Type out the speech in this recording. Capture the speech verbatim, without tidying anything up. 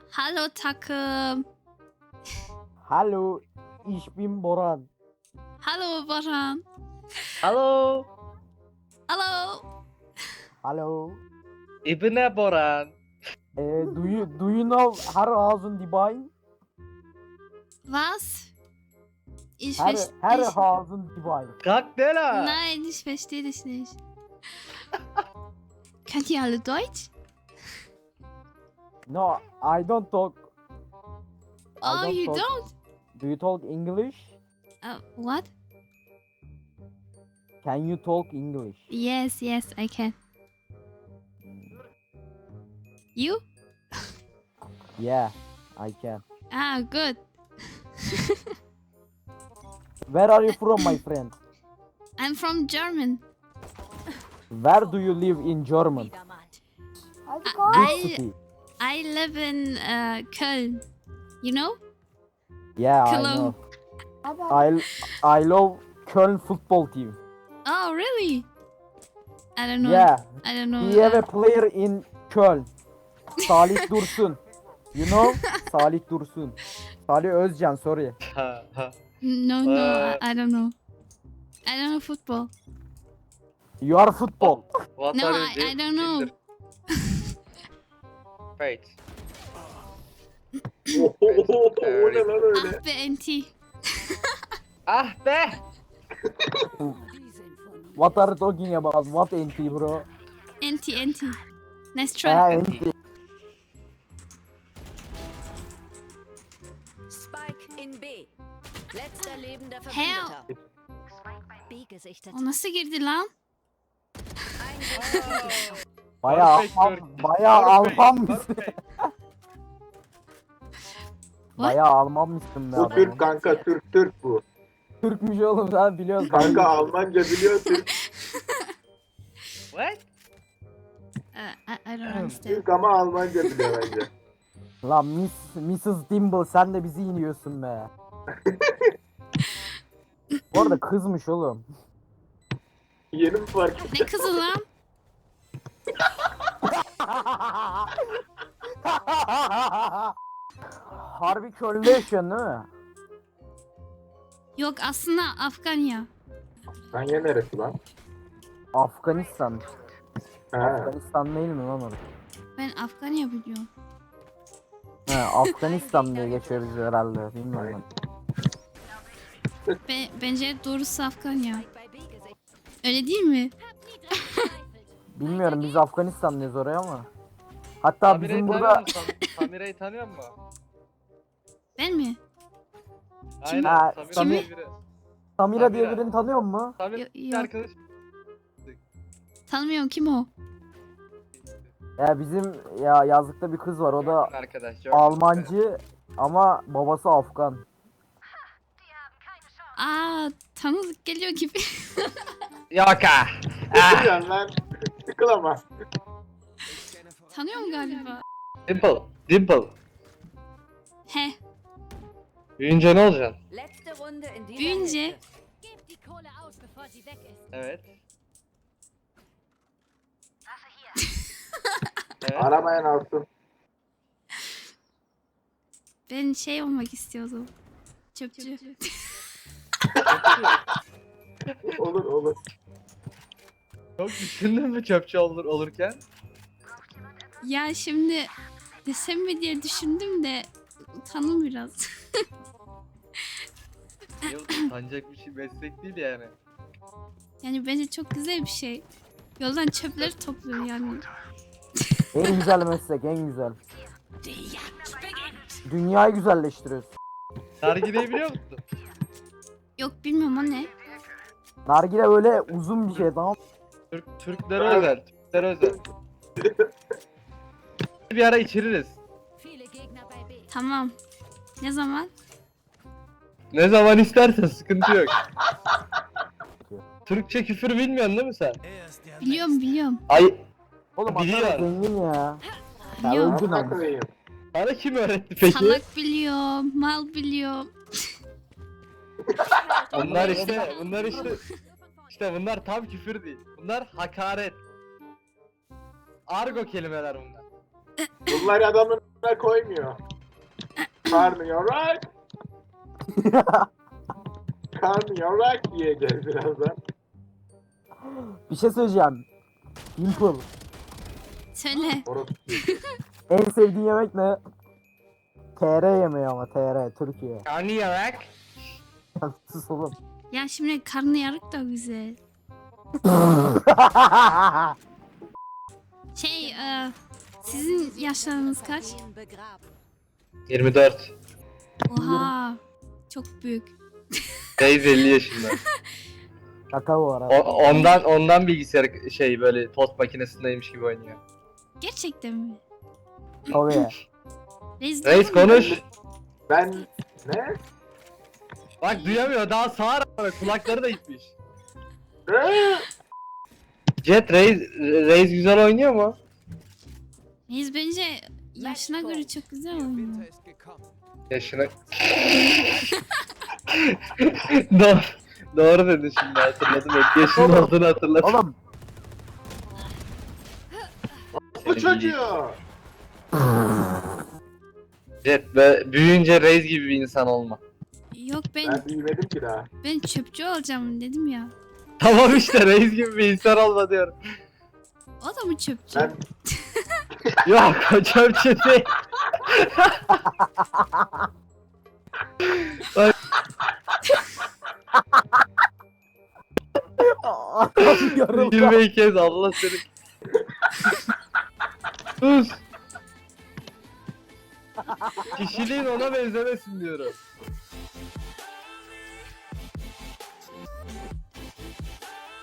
Hallo takım. Hallo, ich bin Boran. Hallo Baran. Halo, Hallo. Hallo. ich bin der Boran. Äh, do you do you know Herrenhausen die Bein? Was? Ich Her verstehe. Herrenhausen die Bein. Kalk ne la? Nein, ich verstehe dich nicht. Könnt ihr alle Deutsch? No, I don't talk. I Oh, you talk. don't? Do you talk English? Uh, what? Can you talk English? Yes, yes, I can. You? Yeah, I can. Ah, good. Where are you from, my friend? I'm from German. Where do you live in German? Which I city? I live in uh, Köln. You know? Yeah, I Cologne. know. I I love Köln football team. Oh, really? I don't know. Yeah, I don't know. we have uh, a player in Köln. Salih Dursun. You know? Salih Dursun. Salih Özcan, sorry. Ha, ha. no, no, Uh, I, I don't know. I don't know football. You are football. What No, are you I, I doing? don't know. Wait. Oho, o ne lan öyle? Ah be Enti. Ah be! What are you talking about? What N T, bro? Enti, Enti. Nice try. Ha, N T. Spike in B. Letzter lebender Hell. Verbündeter. B gesichtet. O nasıl girdi lan? Ein Bayağı Perfect, Alman, perfect. bayağı Perfect, Alman mısın? perfect. Bayağı Alman mısın be Bu adam? Türk kanka, Türk Türk bu. Türkmüş oğlum, sen biliyorsun. Kanka Almanca biliyor Türk. What? Uh, I, I don't understand. Türk ama Almanca biliyor bence. Lan Miss, missus Dimble, sen de bizi iniyorsun be. Bu arada kızmış oğlum. Yeni mi fark ettin? Ne kızı lan? Harbi Köln'de yaşıyorsun değil mi? Yok aslında Afganya. Kanya neresi lan? Afganistan. Ha. Afganistan değil mi lan orası? Ben Afganya biliyorum. He, Afganistan diye geçiyor bizi herhalde, bilmiyorum. Be, bence doğrusu Afganya. bei B gesichtet. Öyle değil mi? Bilmiyorum, biz Afganistan diyoruz oraya ama. Hatta Samira'yı bizim tanıyor burada musun? Sam- Samira'yı tanıyor musun? Ben mi? Aynen. Ha, Samira Samir- diye biri. Samira diye Samira. birini tanıyor musun? Samir Yo- bir yok. arkadaş. Tanımıyorum kim o? Ya bizim ya yazlıkta bir kız var, o da arkadaş. Almancı ama babası Afgan. Aa tanıdık geliyor gibi. Yok ha. Ne diyorsun lan? Sıkıl ama. Tanıyorum galiba. Dimple. Dimple. He. Büyüyünce ne olacaksın? Letzte Runde in dieser Büyünce Hälfte. Gebt die Kohle aus, bevor sie weg ist. Evet. Evet. Aramayan alsın. ben şey olmak istiyordum. Çöpçü. Olur olur. Çok düşündün mü çöpçü olur olurken? Ya şimdi desem mi diye düşündüm de utandım biraz. Yok, utanacak bir şey meslek değil yani. Yani bence çok güzel bir şey. Yoldan çöpleri topluyor yani. En güzel meslek, en güzel. Dünyayı güzelleştiriyoruz. Nargileyi biliyor musun? Yok bilmiyorum o ne. Nargile böyle uzun bir şey, tamam mı? Türk, Türklere özel. Türklere özel. Bir ara içiririz. Viele Gegner bei B. Tamam. Ne zaman? Ne zaman istersen sıkıntı yok. Türkçe küfür bilmiyorsun değil mi sen? Biliyorum biliyorum. Ay, Oğlum Biliyor. adam zengin ya. Ya Biliyorum. öldün Amına ama. koyayım. sana kim öğretti peki? Salak biliyorum. Mal biliyorum. Bunlar işte, bunlar işte, işte bunlar tam küfür değil. Bunlar hakaret. Argo kelimeler bunlar. Bunlar adamın önüne koymuyor. Karnıyorak. Karnıyorak yiyeceğiz birazdan. Bir şey söyleyeceğim. Pimple. Söyle. Orası. En sevdiğin yemek ne? T R yemeği ama T R Türkiye. Karnıyarık. Sus oğlum. Ya şimdi karnıyarık da güzel. Şey, e, sizin yaşlarınız kaç? Familien begraben. yirmi dört. Oha. Çok büyük. Reis elli yaşında. Şaka bu arada. O, ondan ondan bilgisayar şey böyle tost makinesindeymiş gibi oynuyor. Gerçekten mi? Tabii. Reis, Reis konuş. Ben ne? Bak duyamıyor daha sağır ama kulakları da gitmiş. Ne? Jet Reis, Reis güzel oynuyor mu? Reis bence yaşına göre çok güzel oynuyor. Yaşına... doğru, doğru dedin şimdi hatırladım. Evet, yaşının olduğunu hatırladım. Oğlum. Bu çocuğu. Jet be, büyüyünce Reis gibi bir insan olma. Yok ben Ben büyümedim ki daha. ben çöpçü olacağım dedim ya. Tamam işte Reis gibi bir insan olma diyorum. O da mı çöpçü? Ben Yok o çöpçü değil. Yarım. Gülmeyi kes Allah seni. Sus. Kişiliğin ona benzemesin diyorum.